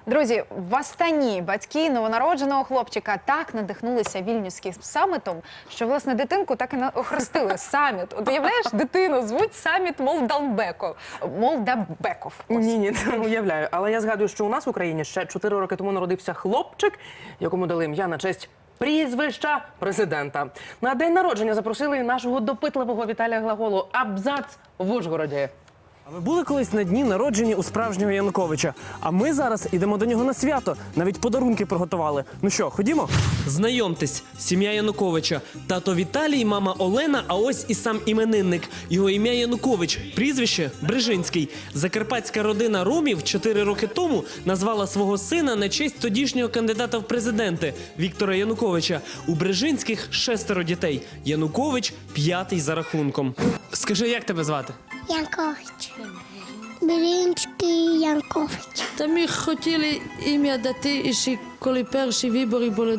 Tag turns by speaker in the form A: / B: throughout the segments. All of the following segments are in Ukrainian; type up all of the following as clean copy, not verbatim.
A: Друзі, в Астані батьки новонародженого хлопчика так надихнулися вільнюським самітом, що, власне, дитинку так і охрестили саміт. От уявляєш, дитину звуть саміт Молдабеков.
B: Ні, не уявляю. Але я згадую, що у нас в Україні ще 4 роки тому народився хлопчик, якому дали ім'я на честь прізвища президента. На день народження запросили нашого допитливого Віталія Глаголу «Абзац» в Ужгороді.
C: А ви були колись на дні народження у справжнього Януковича? А ми зараз ідемо до нього на свято. Навіть подарунки приготували. Ну що, ходімо? Знайомтесь, сім'я Януковича. Тато Віталій, мама Олена, а ось і сам іменинник. Його ім'я Янукович, прізвище Брижинський. Закарпатська родина Ромів 4 роки тому назвала свого сина на честь тодішнього кандидата в президенти Віктора Януковича. У Брижинських 6 дітей. Янукович – 5-й за рахунком. Скажи, як тебе звати?
D: Янкович. Бринський Янкович.
E: Та ми хотіли ім'я дати, і ще коли перші вибори були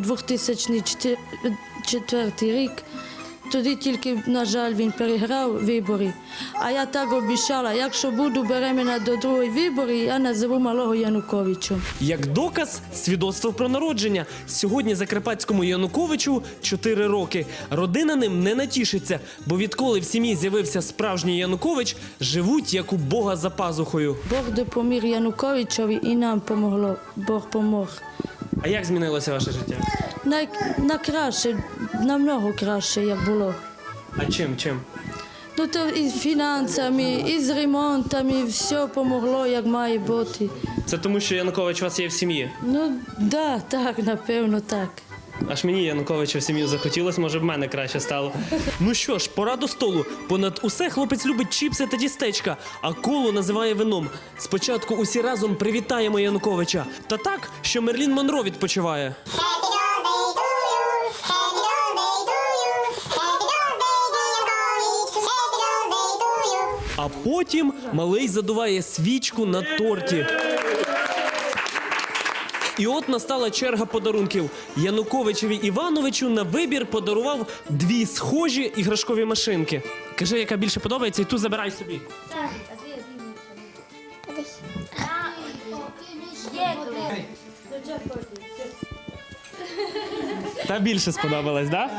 E: 2004 рік, тоді тільки, на жаль, він переграв вибори. А я так обіцяла, якщо буду беременна до другої вибори, я назову малого Януковичем.
C: Як доказ – свідоцтво про народження. Сьогодні закарпатському Януковичу 4 роки. Родина ним не натішиться, бо відколи в сім'ї з'явився справжній Янукович, живуть як у Бога за пазухою.
E: Бог допоміг Януковичові і нам помогло. Бог помог.
C: А як змінилося ваше життя?
E: На краще, намного краще, як було.
C: А чим?
E: Ну то і з фінансами, і з ремонтами, все помогло, як має бути.
C: Це тому, що Янукович у вас є в сім'ї?
E: Ну, да, так, напевно, так.
C: Аж мені Януковича в сім'ю захотілося, може б мене краще стало. Ну що ж, пора до столу. Понад усе хлопець любить чіпси та дістечка, а коло називає вином. Спочатку усі разом привітаємо Януковича. Та так, що Мерлін Монро відпочиває. А потім малий задуває свічку на торті. І от настала черга подарунків. Януковичеві Івановичу на вибір подарував 2 схожі іграшкові машинки. Кажи, яка більше подобається, і ту забирай собі. Та більше сподобалась, так?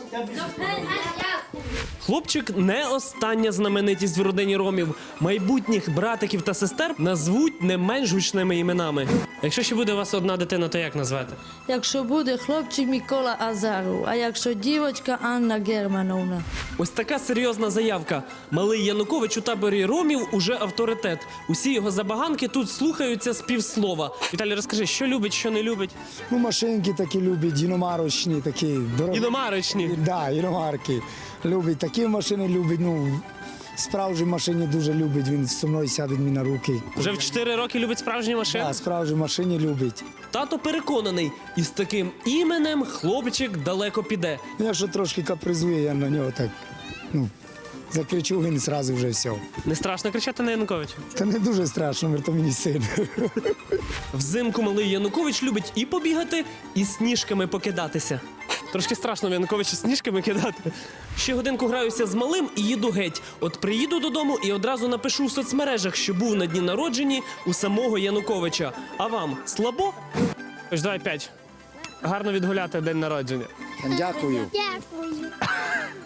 C: Хлопчик не остання знаменитість в родині Ромів. Майбутніх братиків та сестер назвуть не менш гучними іменами. Якщо ще буде у вас одна дитина, то як назвати?
E: Якщо буде хлопчик Микола Азаров, а якщо дівчинка Анна Германовна.
C: Ось така серйозна заявка. Малий Янукович у таборі Ромів уже авторитет. Усі його забаганки тут слухаються з півслова. Віталій, розкажи, що любить, що не любить?
F: Ну, машинки такі любить, іномарочні, такі дорогі.
C: Іномарочні.
F: Да, іномарки. Любить, такі машини любить, ну, справжні машини дуже любить, він зі мною сяде мені на руки.
C: Вже в 4 роки любить справжні машини?
F: Да, справжні машини любить.
C: Тато переконаний, із таким іменем хлопчик далеко піде.
F: Ну, якщо трошки капризує, я на нього так, ну, закричу, він одразу вже все.
C: Не страшно кричати на Януковича?
F: Та не дуже страшно, то мені син.
C: Взимку малий Янукович любить і побігати, і сніжками покидатися. Трошки страшно в Януковича сніжками кидати. Ще годинку граюся з малим і їду геть. От приїду додому і одразу напишу в соцмережах, що був на дні народжені у самого Януковича. А вам слабо? Ось давай 5. Гарно відгуляти день народження.
F: Дякую.
D: Дякую.